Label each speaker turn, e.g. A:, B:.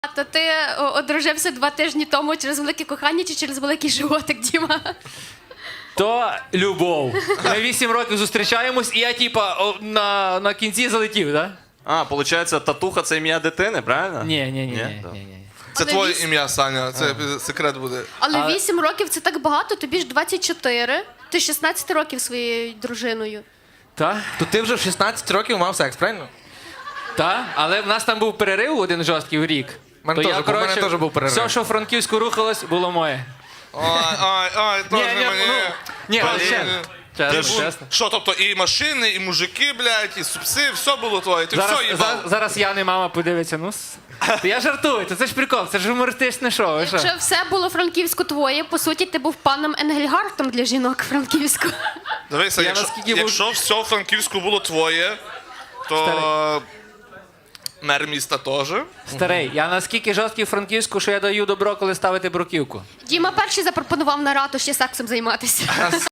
A: То ти одружився 2 тижні тому через велике кохання чи через великий животик, Діма?
B: То любов. Ми 8 років зустрічаємось, і я на кінці залетів, так?
C: А, виходить, татуха – це ім'я дитини, правильно?
B: Ні.
D: Це
A: Але
D: твоє
A: вісім-
D: ім'я, Саня, це секрет буде.
A: Але 8 років це так багато, тобі ж 24. Ти 16 років зі своєю дружиною.
B: Так?
E: То ти вже в 16 років мав секс, правильно?
B: Так, але в нас там був перерив один жорсткий в рік.
E: В мене теж був, в мене теж був перерив.
B: Все, що в Франківську рухалось, було моє.
D: Ой, теж не мені.
B: Ні,
D: Теж
B: але
D: не
B: чесно.
D: мені.
B: Чесно, чесно.
D: Що, тобто і машини, і мужики, блядь, і супси, все було твоє, ти все їбав.
B: Зараз я не мама подивиться, То я жартую, це ж прикол, це ж гумористичне шоу. ви що?
A: Якщо все було Франківську твоє, по суті, ти був паном Енгельгартом для жінок Франківську.
D: Дивися, якщо все в Франківську було твоє, то мер міста теж.
B: Старий, я наскільки жорсткий в Франківську, що я даю добро, коли ставити бруківку.
A: Діма перший запропонував на ратуші сексом займатися.